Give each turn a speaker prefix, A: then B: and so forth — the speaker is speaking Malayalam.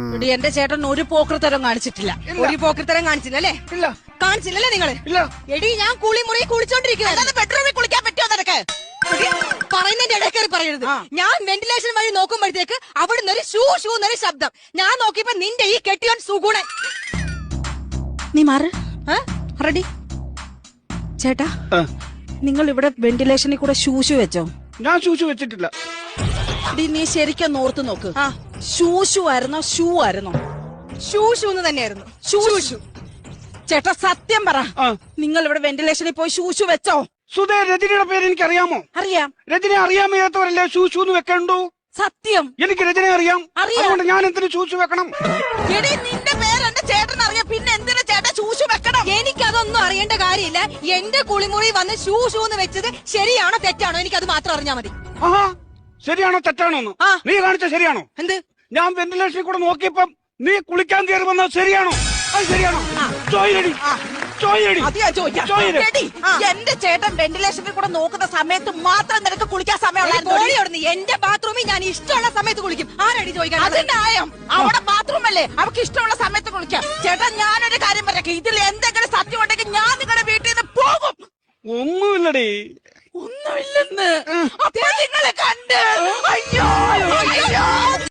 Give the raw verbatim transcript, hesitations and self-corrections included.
A: എന്റെ ചേട്ടൻ ഒരു പോക്കൃത്തരം കാണിച്ചിട്ടില്ല.
B: ഒരു പോക്കൃത്തരം കാണിച്ചില്ല അല്ലേ?
C: ഇല്ല.
B: കാണിച്ചില്ലല്ലേ നിങ്ങള്?
C: ഇല്ല.
B: എടി ഞാൻ കുളിമുറി കുളിച്ചോണ്ടിരിക്കുന്നത്.
A: ബെഡ്റൂമിൽ കുളിക്കാൻ പറ്റുമോ നിനക്ക്?
B: പറയുന്നതിന്റെ ഇടയ്ക്കേറി പറയരുത്. ഞാൻ വെന്റിലേഷൻ വഴി നോക്കുമ്പോഴത്തേക്ക് അവിടുന്ന് ഒരു ഷൂ ഷൂ എന്നൊരു ശബ്ദം. ഞാൻ നോക്കിയപ്പോ നിന്റെ ഈ കെട്ടിയോൻ സുഗുണൻ.
A: നീ മാറ്. റെഡി ചേട്ടാ, നിങ്ങൾ ഇവിടെ വെന്റിലേഷനിൽ കൂടെ ഷൂഷു വെച്ചോ?
C: ഞാൻ ഷൂഷു വെച്ചിട്ടില്ല.
A: നീ ശരിക്കും ഓർത്ത് നോക്ക്. ഷൂഷു ആയിരുന്നോ ഷൂ ആയിരുന്നോ?
B: ഷൂ ഷൂ എന്ന് തന്നെയായിരുന്നു.
A: Shoe shoe. ചേട്ടാ സത്യം പറ, നിങ്ങൾ ഇവിടെ വെന്റിലേഷനിൽ പോയി ഷൂഷു വെച്ചോ?
C: സുധേ, രജനിയുടെ പേര് എനിക്ക് അറിയാമോ?
A: അറിയാം.
C: രജനെ അറിയാൻ വയ്യാത്തവരല്ലേ ഷൂഷു എന്ന് വെക്കണ്ടു?
A: സത്യം.
C: എനിക്ക് രജനെ അറിയാം. അതുകൊണ്ട് ഞാൻ എന്തിനു ഷൂഷു വെക്കണം?
A: എടി നിന്റെ പേര് എന്റെ ചേട്ടൻ അറിയാം, പിന്നെ എന്തിനു ചേട്ടൻ ഷൂഷു വെക്കണം?
B: എനിക്കതൊന്നും അറിയേണ്ട കാര്യമില്ല. എന്റെ കുളിമുറി വന്ന് ഷൂ ഷൂ എന്ന് വെച്ചത് ശരിയാണോ തെറ്റാണോ എനിക്കത് മാത്രം അറിഞ്ഞാ മതി.
C: ആഹാ, ശരിയാണോ തെറ്റാണോ? നീ കാണിച്ച ശരിയാണോ?
B: എന്ത്?
C: ഞാൻ വെന്റിലേഷനിൽ കൂടെ നോക്കിയപ്പം നീ കുളിക്കാൻ കയറി വന്നത് ശരിയാണോ? അത് ശരിയാണോ? ചോയിലടി ചോയിലടി.
A: അത് ഞാൻ ചോദിക്കാം. എന്റെ ചേട്ടൻ വെന്റിലേഷനിൽ കൂടെ നോക്കുന്ന സമയത്ത് മാത്രം നിനക്ക് കുളിക്കാൻ സമയമുള്ള
B: എന്റെ ബാത്റൂമിൽ ഞാൻ ഇഷ്ടമുള്ള സമയത്ത് കുളിക്കും. ആരടി ചോദിക്കാൻ?
A: അതിന്റെ ആയം അവിടെ ബാത്റൂം അല്ലേ, അവർക്ക് ഇഷ്ടമുള്ള സമയത്ത് കുളിക്കാം. ചേട്ടൻ ഞാനൊരു കാര്യം പറയാം, ഇതിൽ എന്തെങ്കിലും സത്യം ഉണ്ടെങ്കിൽ ഞാൻ നിങ്ങളുടെ വീട്ടിൽ നിന്ന് പോകും.
C: ഒന്നുമില്ലടി.
A: ഒന്നുമില്ലെന്ന് അപ്പൊ നിങ്ങളെ കണ്ട് അയ്യോ അയ്യോ